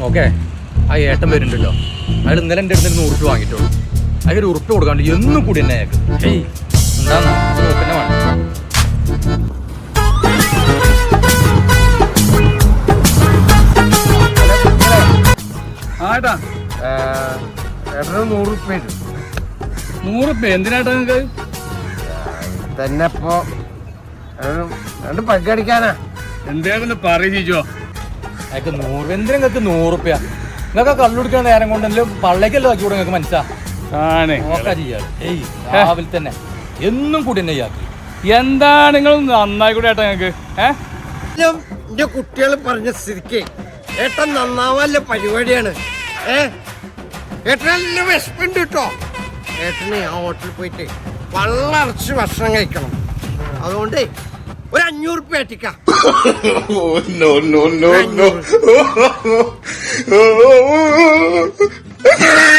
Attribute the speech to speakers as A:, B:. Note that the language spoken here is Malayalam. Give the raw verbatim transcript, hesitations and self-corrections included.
A: ഓക്കെ ആ ഏട്ടൻ വരുന്നുണ്ടല്ലോ അയാൾ ഇന്നലെ എൻ്റെ അടുത്ത് നൂറ് റുപ്യ വാങ്ങിയിട്ടുള്ളൂ അയാൾ ഒരു ഉറുപ്പ് കൊടുക്കാണ്ട് എന്നും കൂടി തന്നെ അയാൾക്ക് ഏയ് എന്താന്നാ നോക്കന്നെ വേണം.
B: ആട്ടാ
C: ഏട്ടന് നൂറ് റുപ്യ
B: നൂറ് റുപ്യ എന്തിനാട്ടാ നിങ്ങൾക്ക്
C: തന്നെ ഇപ്പോ രണ്ട് പగ్గടിക്കാനാ
B: എന്തേന്ന് പറയിച്ചോ
A: അയാൾക്ക് നൂറ് എന്തിനാ നിങ്ങൾക്ക് നൂറ് റുപ്യ നിങ്ങൾക്ക് കള്ളുടിക്കുന്ന നേരം കൊണ്ടല്ലോ പള്ളേക്കല്ലോ ആക്കി കൂടെ നിങ്ങൾക്ക് മനസ്സിലാ
B: ആണ്
A: നോക്കാ ചെയ്യാറ് ഏയ് രാവിലെ തന്നെ എന്നും കൂടി തന്നെ ഇയാൾക്ക്
B: എന്താ നിങ്ങൾ നന്നായി കൂടെ ഏട്ടാ ഞങ്ങൾക്ക് ഏഹ്
C: എന്റെ കുട്ടികൾ പറഞ്ഞ സ്ഥിതിക്ക് ഏട്ടൻ നന്നാവല്ല പരിപാടിയാണ് ഏ ഏട്ടനെല്ലാം വിശപ്പുണ്ട് കേട്ടോ ഏട്ടന് ആ ഹോട്ടലിൽ പോയിട്ട് വള്ളറച്ച് ഭക്ഷണം കഴിക്കണം അതുകൊണ്ട് ഒരു അഞ്ഞൂറ് റുപ്യ ഏറ്റിക്കാം.
D: no, no, no, no.